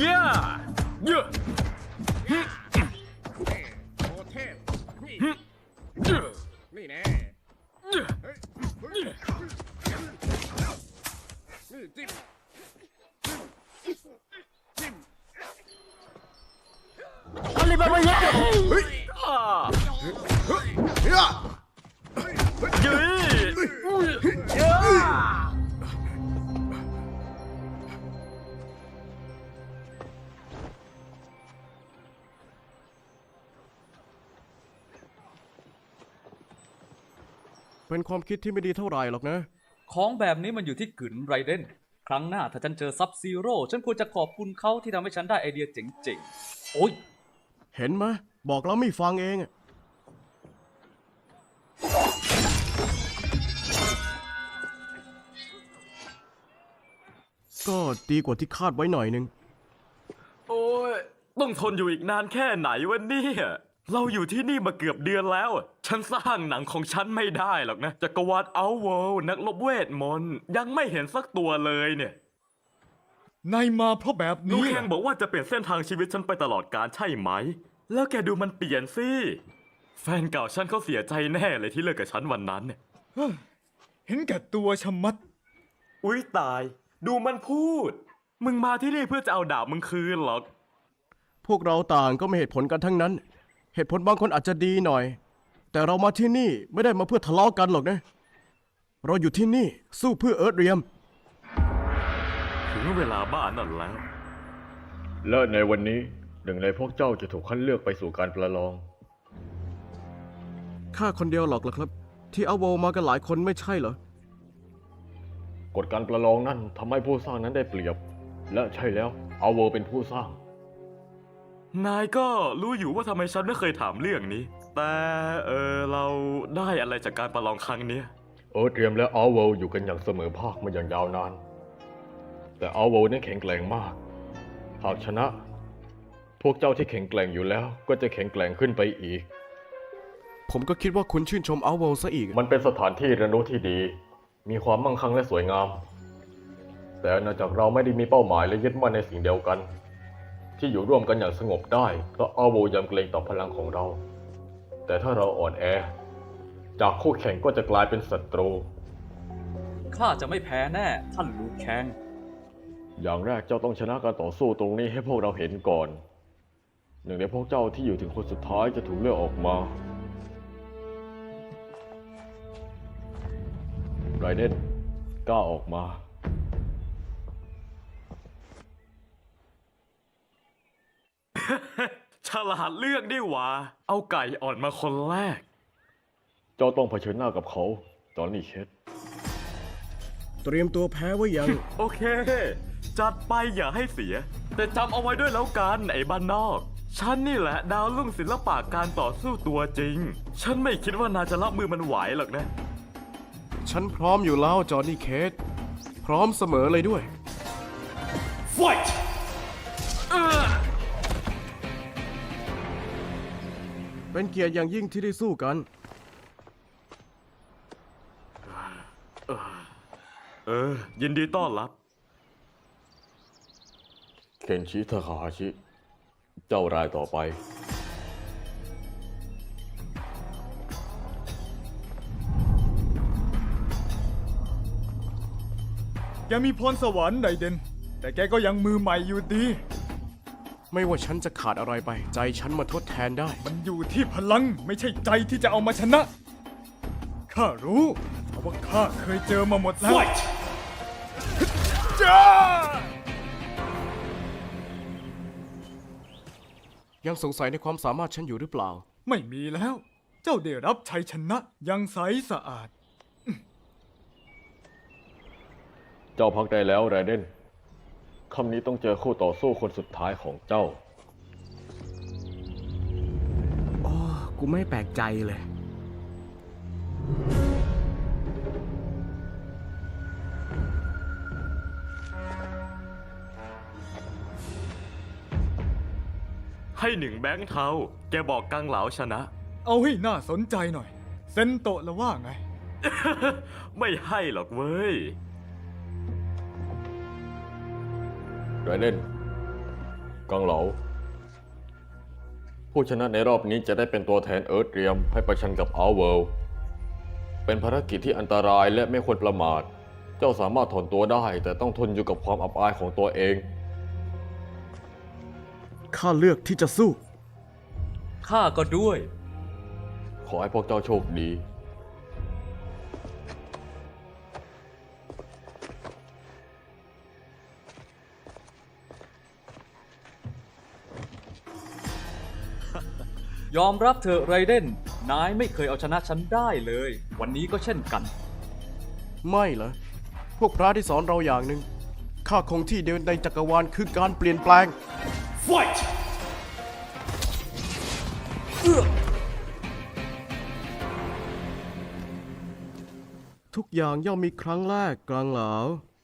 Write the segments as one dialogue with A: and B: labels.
A: ย่าเยอะ
B: โอเทพนี่แน่นี่จิ้ม
A: อะไรบ้างเนี่ยเฮ้ย
C: เป็นความคิดที่ไม่ดีเท่าไหร่หรอกนะ
D: ของแบบนี้มันอยู่ที่กึ๋นไรเดนครั้งหน้าถ้าฉันเจอซับซีโร่ฉันควรจะขอบคุณเขาที่ทำให้ฉันได้ไอเดียเจ๋งๆ โอ๊ย
C: เห็นไหมบอกแล้วไม่ฟังเอง ก็ดีกว่าที่คาดไว้หน่อยนึง
A: โอ้ยต้องทนอยู่อีกนานแค่ไหนวะเนี่ยเราอยู่ที่นี่มาเกือบเดือนแล้วฉันสร้างหนังของฉันไม่ได้หรอกนะจักรวาลเอาเวิลด์นักรบเวทมนต์ยังไม่เห็นสักตัวเลยเนี่ย
E: นายมาเพราะแบบ
A: นู
E: นี้
A: แข่งบอกว่าจะเปลี่ยนเส้นทางชีวิตฉันไปตลอดกาลใช่ไหมแล้วแกดูมันเปลี่ยนสิแฟนเก่าฉันเขาเสียใจแน่เลยที่เลิกกับฉันวันนั้นเนี่ย
E: เห็นแก่ตัวชะมัด
A: อุ๊ยตายดูมันพูดมึงมาที่นี่เพื่อจะเอาดาบมึงคืนหรอก
C: พวกเราต่างก็มีเหตุผลกันทั้งนั้น เหตุผลบางคนอาจจะดีหน่อย แต่เรามาที่นี่ไม่ได้มาเพื่อทะเลาะกันหรอกนะ เราอยู่ที่นี่สู้เพื่อเอิร์ธเรียม
A: ถึงเวลาบ้านนั่นแล้ว
F: และในวันนี้หนึ่งในพวกเจ้าจะถูกคัดเลือกไปสู่การประลอง
C: ข้าคนเดียวหรอกล่ะครับ ที่เอาโวมากันหลายคนไม่ใช่เหรอ
F: กฎการประลองนั้นทำให้ผู้สร้างนั้นได้เปรียบ และใช่แล้วเอาเวอร์เป็นผู้สร้าง
A: นายก็รู้อยู่ว่าทำไมฉันไม่เคยถามเรื่องนี้ แต่เราได้อะไรจากการประลองครั้งเนี้ย
F: เอิร์ธเรียมและอัลเวลอยู่กันอย่างเสมอภาคมาอย่างยาวนาน แต่อัลเวลนั้นแข็งแกร่งมาก หากชนะ พวกเจ้าที่แข็งแกร่งอยู่แล้วก็จะแข็งแกร่งขึ้นไปอีก
C: ผมก็คิดว่าคุณชื่นชมเอาโวซะอีก
F: มันเป็นสถานที่เรียนรู้ที่ดี มีความมั่งคั่งและสวยงาม แต่เนื่องจากเราไม่ได้มีเป้าหมายและยึดมั่นในสิ่งเดียวกัน ที่อยู่ร่วมกันอย่างสงบได้เพราะอัลเวลยำเกรงต่อพลังของเรา แต่ถ้าเราอ่อนแอ จากคู่แข่งก็จะกลายเป็นศัตรู
D: ข้าจะไม่แพ้แน่ ท่านลูแคง
F: อย่างแรกเจ้าต้องชนะการต่อสู้ตรงนี้ให้พวกเราเห็นก่อน หนึ่งในพวกเจ้าที่อยู่ถึงคนสุดท้ายจะถูกเลือกออกมาไรเดนกล้าออกมา
A: ฉลาดเลือกดีหว่าเอาไก่อ่อนมาคนแรก
F: เจ้าต้องเผชิญหน้ากับเขาจอห์นนี่เคท
C: เตรียมตัวแพ้ไว้ยัง
A: โอเค จัดไปอย่าให้เสีย แต่จำเอาไว้ด้วยแล้วกันไอ้บ้านนอก ฉันนี่แหละดาวรุ่งศิลปะการต่อสู้ตัวจริง ฉันไม่คิดว่านายจะรับมือมันไหวหรอกนะ
C: ฉันพร้อมอยู่แล้วจอห์นนี่เคทพร้อมเสมอเลยด้วย
A: Fight
C: เป็นเกียรติอย่างยิ่งที่ได้สู้กัน
A: ยินดีต้อนรับ
F: เคนชิทาคาฮาชิ เจ้ารายต่อไป
E: แกมีพรสวรรค์ไดเดน แต่แกก็ยังมือใหม่อยู่ดี
C: ไม่ว่าฉันจะขาดอะไรไป ใจฉันมาทดแทนได้
E: มันอยู่ที่พลังไม่ใช่ใจที่จะเอามาชนะ ข้ารู้เพราะว่าข้าเคยเจอมาหมดแล้ว จ้า
C: ยังสงสัยในความสามารถฉันอยู่หรือเปล่า
E: ไม่มีแล้ว เจ้าได้รับชัยชนะอยังใสสะอาด
F: เจ้าพักได้แล้วไรเดนคำนี้ต้องเจอคู่ต่อสู้คนสุดท้ายของเจ้า
C: กูไม่แปลกใจเลย
A: ให้หนึ่งแบงค์เทาแกบอกกังเหลาชนะ
E: เอาให้น่าสนใจหน่อย เซนโตะละว่าไง
A: ไม่ให้หรอกเว้ย
F: ไรเดนกังเหลา ผู้ชนะในรอบนี้จะได้เป็นตัวแทนเอิร์ธเรียมให้ประชันกับอัลเวิลด์เป็นภารกิจที่อันตรายและไม่ควรประมาท เจ้าสามารถถอนตัวได้แต่ต้องทนอยู่กับความอับอายของตัวเอง
C: ข้าเลือกที่จะสู้
D: ข้าก็ด้วย
F: ขอให้พวกเจ้าโชคดี
D: ยอมรับเถอะไรเดน นายไม่เคยเอาชนะฉันได้เลย วันนี้ก็เช่นกัน
C: ไม่เหรอ พวกพระที่สอนเราอย่างหนึ่งข้าคงที่เดียวในจักรวาลคือการเปลี่ยนแปลง
A: Fight
C: ทุกอย่างย่อมมีครั้งแรกกลางหลาว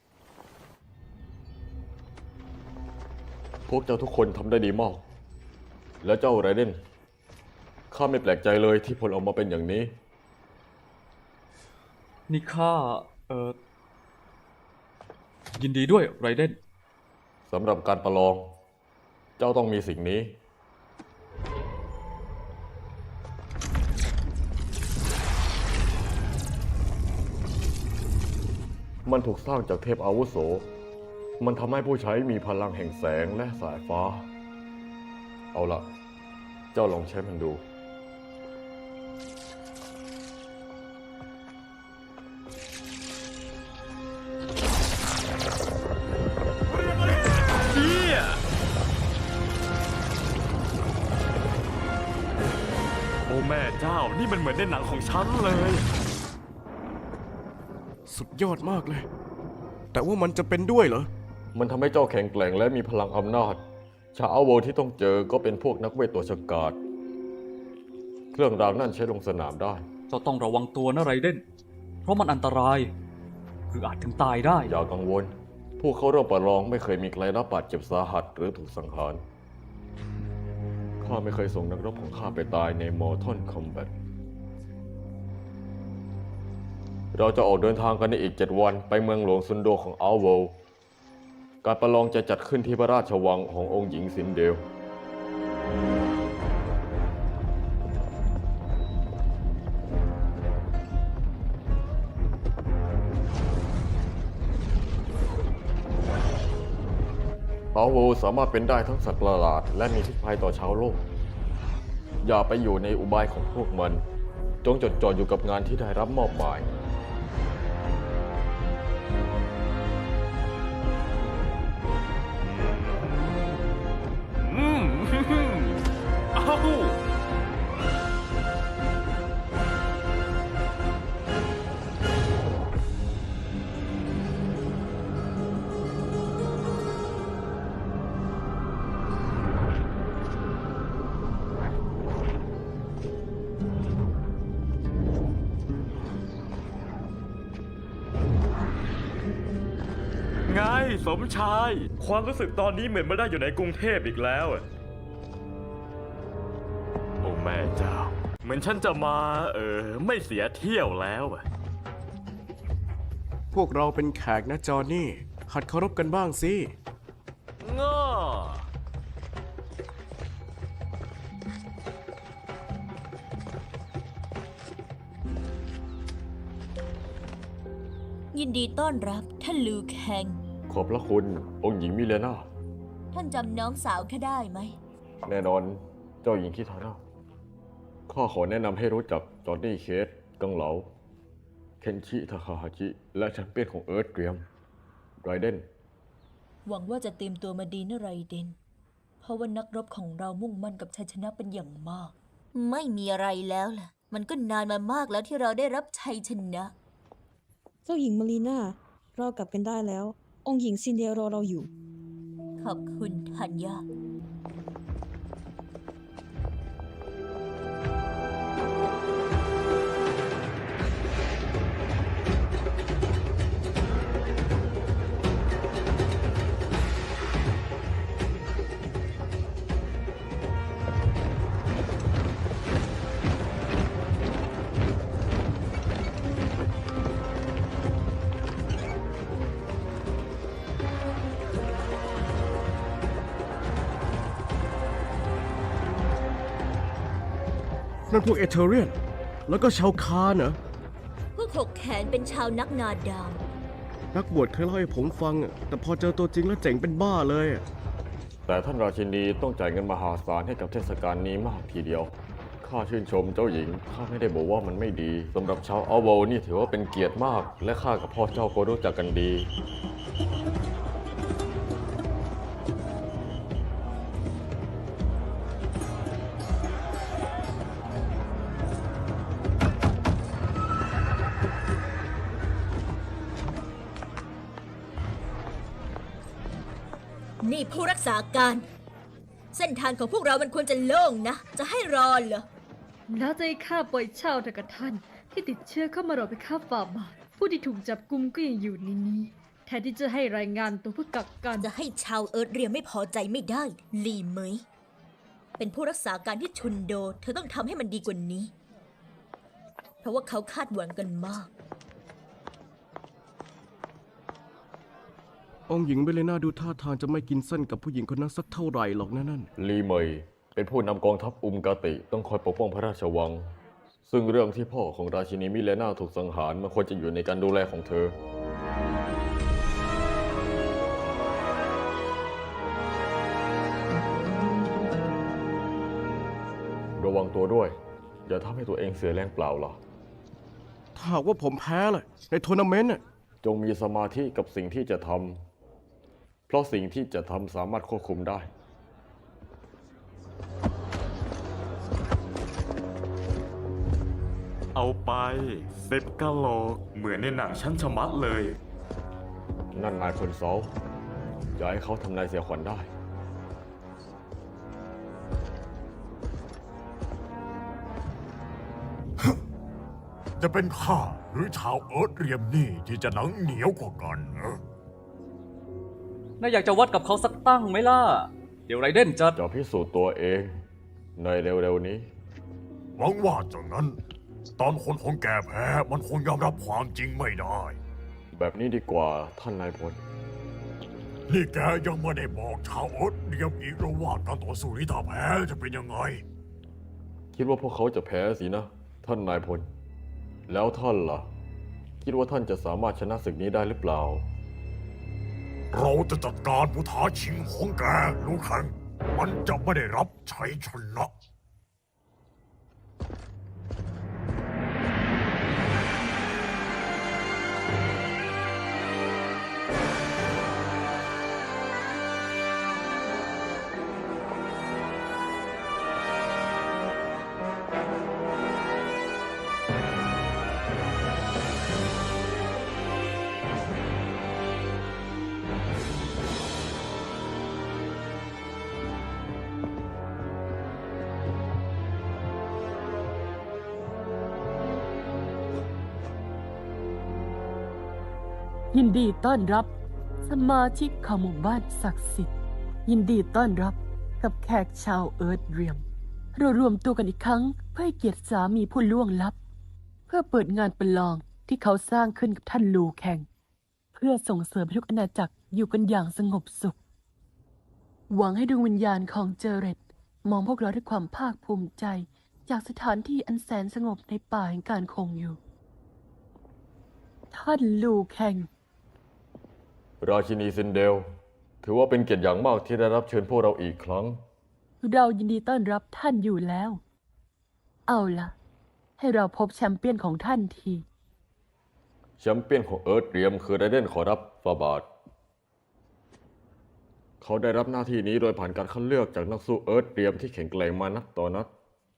F: พวกเจ้าทุกคนทำได้ดีมาก และเจ้าไรเดน ข้าไม่แปลกใจเลยที่ผลออกมาเป็นอย่างนี้
D: นี่ข้ายินดีด้วยไรเดน
F: สำหรับการประลอง เจ้าต้องมีสิ่งนี้ มันถูกสร้างจากเทพอาวุโส มันทำให้ผู้ใช้มีพลังแห่งแสงและสายฟ้า เอาล่ะ เจ้าลองใช้มันดู
A: เฮียโอ้แม่เจ้า นี่มันเหมือนในหนังของฉันเลย
C: สุดยอดมากเลย แต่ว่ามันจะเป็นด้วยเหรอ
F: มันทำให้เจ้าแข็งแกร่งและมีพลังอำนาจ ชาวอัลโวที่ต้องเจอก็เป็นพวกนักเวทตัวฉกาจ เครื่องรางนั่นใช้ลงสนามได้
D: เจ้าต้องระวังตัวนะไรเดน เพราะมันอันตราย หรืออาจถึงตายได้
F: อย่ากังวล พวกเขาร่วมประลองไม่เคยมีใครรับบาดเจ็บสาหัสหรือถูกสังหาร ข้าไม่เคยส่งนักรบของข้าไปตายในมอร์ทอนคอมแบท เราจะออกเดินทางกันในอีก 7 วันไปเมืองหลวงซุนโดของอัลโวลด์การประลองจะจัดขึ้นที่พระราชวังขององค์หญิงซินเดล อัลโวลด์สามารถเป็นได้ทั้งสัตว์ประหลาดและมีพิษภัยต่อชาวโลก อย่าไปอยู่ในอุบายของพวกมัน จงจดจ่ออยู่กับงานที่ได้รับมอบหมาย
A: อืม เอ้า ไงสมชาย ความรู้สึกตอนนี้เหมือนไม่ได้อยู่ในกรุงเทพอีกแล้วอะโอ้แม่เจ้า เหมือนฉันจะมาไม่เสียเที่ยวแล้วอะ
C: พวกเราเป็นแขกนะจอห์นนี่ หัดเคารพกันบ้างสิ
A: ง้อ
G: ยินดีต้อนรับท่านลูแคง
F: ขอบพระคุณองค์หญิงมิเลนา
G: ท่านจำน้องสาวข้าได้ไหม
F: แน่นอนเจ้าหญิงคิทาน่าข้าขอแนะนำให้รู้จักจอห์นนี่เคส กังเหลา เคนชิทาคาฮาจิ และแชมเปี้ยนของเอิร์ธเตรียม ไรเดน
G: หวังว่าจะเตรียมตัวมาดีนะไรเดน เพราะว่านักรบของเรามุ่งมั่นกับชัยชนะเป็นอย่างมาก ไม่มีอะไรแล้วล่ะ มันก็นานมามากแล้วที่เราได้รับชัยชนะ
H: เจ้าหญิงมารีนาเรากลับกันได้แล้ว องค์หญิงซินเดียรอเราอยู่
G: ขอบคุณธัญญา
C: นั่นพวกเอเธเรียน แล้วก็ชาวคานเหรอ
G: พวกหกแขนเป็นชาวนักนาดาว
C: นักบวชเคยเล่าให้ผมฟังอะแต่พอเจอตัวจริงแล้วเจ๋งเป็นบ้าเลยอะ
F: แต่ท่านราชินีต้องจ่ายเงินมหาศาลให้กับเทศกาลนี้มากทีเดียว ข้าชื่นชมเจ้าหญิง ข้าไม่ได้บอกว่ามันไม่ดีสำหรับชาวอัลโวนี่ถือว่าเป็นเกียรติมาก และข้ากับพ่อเจ้าก็รู้จักกันดี
G: นี่ผู้รักษาการ เส้นทางของพวกเรามันควรจะโล่งนะ จะให้รอเหรอ
I: น่าจะให้ข้าปล่อยเช่าเถอะกับท่าน ที่ติดเชื้อเข้ามารอไปฆ่าฝ่าบาท ผู้ที่ถูกจับกุมก็ยังอยู่ในนี้ แทนที่จะให้รายงานตัวเพื่อกักกัน
G: จะให้ชาวเอิร์ธเรียมไม่พอใจไม่ได้ลีเหมยเป็นผู้รักษาการที่ชุนโด เธอต้องทำให้มันดีกว่านี้ เพราะว่าเขาคาดหวังกันมาก
C: องค์หญิงเบเลนาดูท่าทางจะไม่กินเส้นกับผู้หญิงคนนั้นสักเท่าไหร่หรอกนะนั่น
F: ลีเมยเป็นผู้นำกองทัพอุมกาติต้องคอยปกป้องพระราชวัง ซึ่งเรื่องที่พ่อของราชินีมิเลนาถูกสังหารมันควรจะอยู่ในการดูแลของเธอ ระวังตัวด้วย อย่าทำให้ตัวเองเสียแรงเปล่าล่ะ
C: ถ้าหากว่าผมแพ้ล่ะในทัวร์นาเมนต์น่ะ
F: จงมีสมาธิกับสิ่งที่จะทำ เพราะสิ่งที่จะทำสามารถควบคุมได้
A: เอาไป10 กะโหลกเหมือนในหนังชั้นชะมัดเลย
F: นั่นนายพลเซาอย่าให้เขาทำนายเสียขวัญได้
J: จะเป็นข้าหรือชาวเอิร์ธเรียมนี่ที่จะหนังเหนียวกว่ากันเหรอ
D: น่าอยากจะวัดกับเขาสักตั้งไหมล่ะ เดี๋ยวไรเดนจะ
F: จะพิสูจน์ตัวเองในเร็วๆนี้
J: หวังว่าจากนั้น ตอนคนของแกแพ้มันคงยอมรับความจริงไม่ได้
F: แบบนี้ดีกว่าท่านนายพล
J: นี่แกยังไม่ได้บอกชาวเอิร์ธเรียมอีกหรือว่าการต่อสู้นี้ถ้าแพ้จะเป็นยังไง
F: คิดว่าพวกเขาจะแพ้สินะ ท่านนายพล แล้วท่านล่ะ คิดว่าท่านจะสามารถชนะศึกนี้ได้หรือเปล่า
J: เราจะจัดการผู้ท้าชิงของแกลูกแข่งมันจะไม่ได้รับชัยชนะ
K: ยินดีต้อนรับสมาชิกของหมู่บ้านศักดิ์สิทธิ์ ยินดีต้อนรับกับแขกชาวเอิร์ธเรียม เรารวมตัวกันอีกครั้งเพื่อให้เกียรติสามีผู้ล่วงลับ เพื่อเปิดงานประลองที่เขาสร้างขึ้นกับท่านลูแข่ง เพื่อส่งเสริมให้ทุกอาณาจักรอยู่กันอย่างสงบสุข หวังให้ดวงวิญญาณของเจเรตมองพวกเราด้วยความภาคภูมิใจจากสถานที่อันแสนสงบในป่าแห่งการคงอยู่ ท่านลูแข่ง
F: ราชินีซินเดล ถือว่าเป็นเกียรติอย่างมากที่ได้รับเชิญพวกเราอีกครั้ง
K: เรายินดีต้อนรับท่านอยู่แล้ว เอาล่ะ ให้เราพบแชมเปี้ยนของท่านที
F: แชมเปี้ยนของเอิร์ธเรียมคือไรเดนขอรับฟาบาท เขาได้รับหน้าที่นี้โดยผ่านการคัดเลือกจากนักสู้เอิร์ธเรียมที่แข็งแกร่งมานักต่อนัก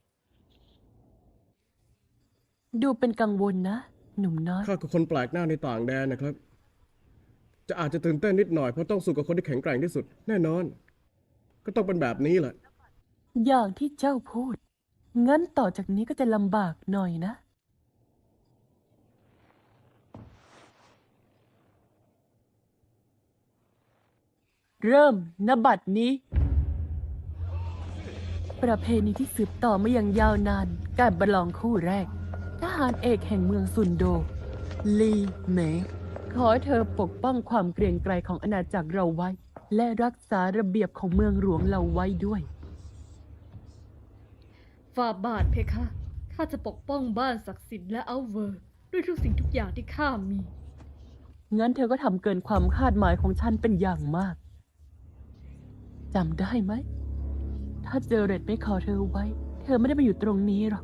K: ดูเป็นกังวลนะ หนุ่มน้อย
C: ข้าคือคนแปลกหน้าในต่างแดนนะครับ จะอาจจะตื่นเต้นนิดหน่อยเพราะต้องสู้กับคนที่แข็งแกร่งที่สุด แน่นอน ก็ต้องเป็นแบบนี้แหละ
K: อย่างที่เจ้าพูด งั้นต่อจากนี้ก็จะลำบากหน่อยนะ เริ่มณบัดนี้ ประเพณีที่สืบต่อมาอย่างยาวนาน การประลองคู่แรก ทหารเอกแห่งเมืองซุนโด ลีเหมยขอให้เธอปกป้องความเกรียงไกรของอาณาจักรเราไว้ และรักษาระเบียบของเมืองหลวงเราไว้ด้วย
I: ฝ่าบาทเพคะข้าจะปกป้องบ้านศักดิ์สิทธิ์และอัลเวอร์ด้วยทุกสิ่งทุกอย่างที่ข้ามี
K: งั้นเธอก็ทำเกินความคาดหมายของฉันเป็นอย่างมาก จำได้ไหม ถ้าเจอเรดไม่ขอเธอไว้ เธอไม่ได้มาอยู่ตรงนี้หรอก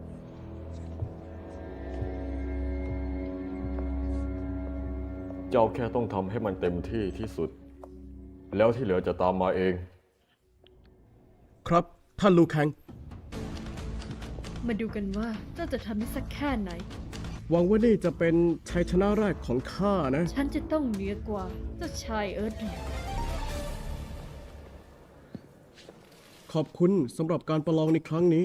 F: เจ้าแค่ต้องทำให้มันเต็มที่ที่สุด แล้วที่เหลือจะตามมาเอง
C: ครับ ท่านลูคัง
I: มาดูกันว่าเจ้าจะทำได้สักแค่ไหน
C: หวังว่านี่จะเป็นชัยชนะแรกของข้านะ
I: ฉันจะต้องเหนือกว่าเจ้าชายเอิร์ธเรียม
C: ขอบคุณสำหรับการประลองในครั้งนี้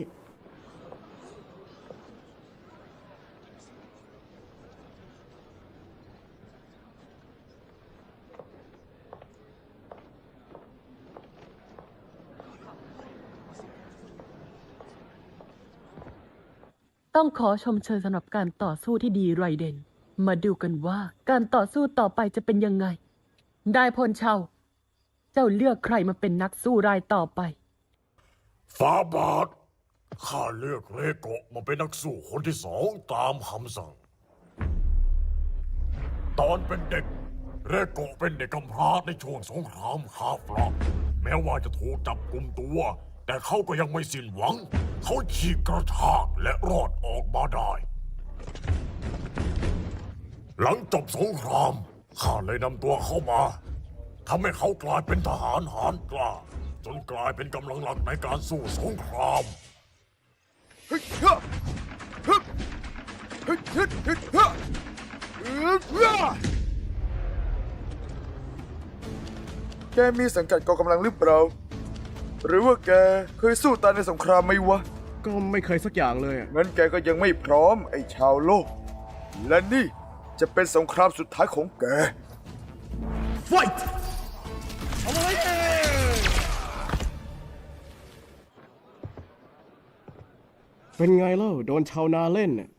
K: ต้องขอชมเชยสำหรับการต่อสู้ที่ดีไรเดน มาดูกันว่าการต่อสู้ต่อไปจะเป็นยังไง ได้พลเชาเจ้าเลือกใครมาเป็นนักสู้รายต่อไป
J: ฟาบาทข้าเลือกเรโกะมาเป็นนักสู้คนที่2ตามคำสั่ง ตอนเป็นเด็ก เรโกะเป็นเด็กกำพร้าในช่วงสงครามคาฟลักแม้ว่าจะถูกจับกุมตัว แต่เขาก็ยังไม่สิ้นหวัง เขาฉีกกระชากและรอดออกมาได้ หลังจบสงครามข้าเลยนำตัวเขามาทำให้เขากลายเป็นทหารหาญกล้า จนกลายเป็นกำลังหลักในการสู้สงคราม
L: แกมีสังกัดกองกำลังหรือเปล่า หรือว่าแกเคยสู้ตายในสงครามไหมวะ
C: ก็ไม่เคยสักอย่างเลยอะ
L: งั้นแกก็ยังไม่พร้อมไอ้ชาวโลก และนี่จะเป็นสงครามสุดท้ายของแก
C: Fight เป็นไงเล่าโดนชาวนาเล่นน่ะ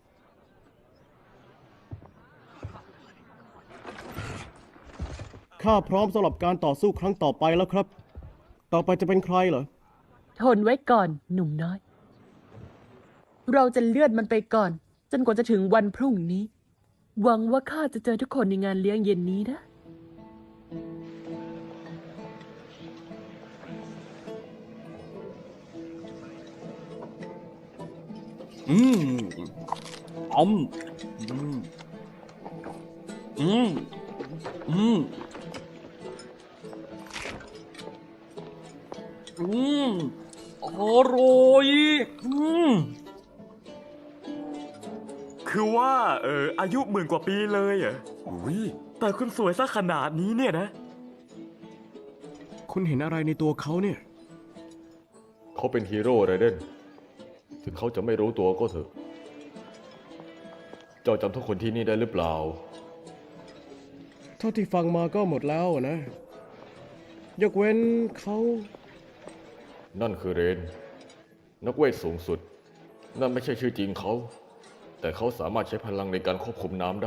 C: ข้าพร้อมสำหรับการต่อสู้ครั้งต่อไปแล้วครับ ต่อไปจะเป็นใครเหรอ
K: ทนไว้ก่อนหนุ่มน้อย เราจะเลื่อนมันไปก่อน จนกว่าจะถึงวันพรุ่งนี้ หวังว่าข้าจะเจอทุกคนในงานเลี้ยงเย็นนี้นะ
D: อืมอืมอืมอร่อย
A: คือว่าอายุ10,000 กว่าปีเลยเหรออุ้ยแต่คุณสวยซะขนาดนี้เนี่ยนะ
C: คุณเห็นอะไรในตัวเขาเนี่ย
F: เขาเป็นฮีโร่ไรเดนถึงเขาจะไม่รู้ตัวก็เถอะ เจ้าจำทุกคนที่นี่ได้หรือเปล่า
C: เท่าที่ฟังมาก็หมดแล้วนะ ยกเว้นเขา
F: นั่นคือเรน นักเวทสูงสุด นั่นไม่ใช่ชื่อจริงเขา แต่เขาสามารถใช้พลังในการควบคุมน้ำได้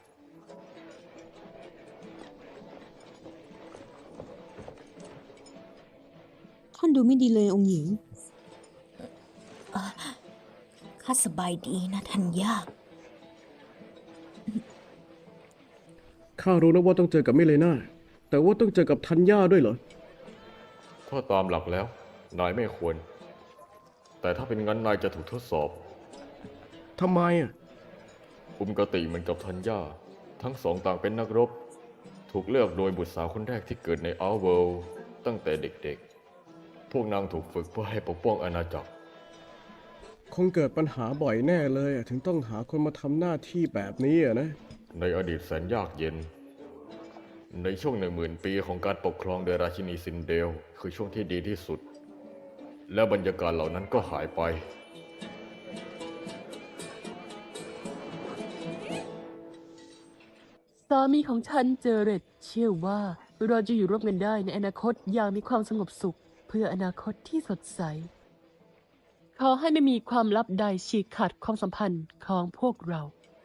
H: ท่านดูไม่ดีเลยองค์หญิง
G: ข้าสบายดีนะทัญญา
C: ข้ารู้นะว่าต้องเจอกับมิเลนาแต่ว่าต้องเจอกับธัญญาด้วยเหรอ
F: ถ้าตามหลักแล้ว นายไม่ควร แต่ถ้าเป็นงั้นนายจะถูกทดสอบ
C: ทำไมอ่ะ
F: อุมกติเหมือนกับธัญญาทั้งสองต่างเป็นนักรบ ถูกเลือกโดยบุตรสาวคนแรกที่เกิดในอัลเวิลด์ตั้งแต่เด็กๆ พวกนางถูกฝึกเพื่อให้ปกป้องอาณาจักร
C: คงเกิดปัญหาบ่อยแน่เลยอะถึงต้องหาคนมาทำหน้าที่แบบนี้อะนะ
F: ในอดีตแสนยากเย็น ในช่วง10,000 ปีของการปกครองโดยราชินีซินเดลคือช่วงที่ดีที่สุด และบรรยากาศเหล่านั้นก็หายไป
K: สามีของฉันเจอเรตเชื่อว่าเราจะอยู่ร่วมกันได้ในอนาคตอย่างมีความสงบสุข เพื่ออนาคตที่สดใส ขอให้ไม่มีความลับใดฉีกขาดความสัมพันธ์ของพวกเรา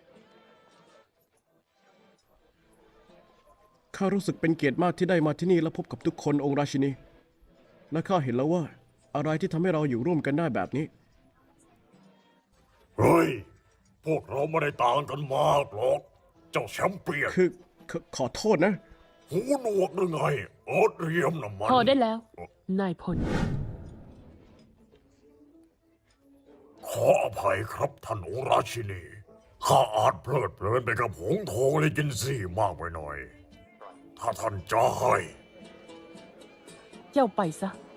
C: ข้ารู้สึกเป็นเกียรติมากที่ได้มาที่นี่และพบกับทุกคนองค์ราชินี และข้าเห็นแล้วว่าอะไรที่ทำให้เราอยู่ร่วมกันได้แบบนี้
J: เฮ้ย พวกเราไม่ได้ต่างกันมากหรอก เจ้าแชมเปี้ยน
C: คือขอโทษนะ
J: หูหนวกหรือไงเอิร์ธเรียมน่ะมัน
K: พอได้แล้ว นายพล
J: ขออภัยครับท่านองค์ราชินี ข้าอาจเพลิดเพลินไปกับหงส์ทองเลจินซี่มากไปหน่อย ถ้าท่านจะให้
K: เจ้าไปซะ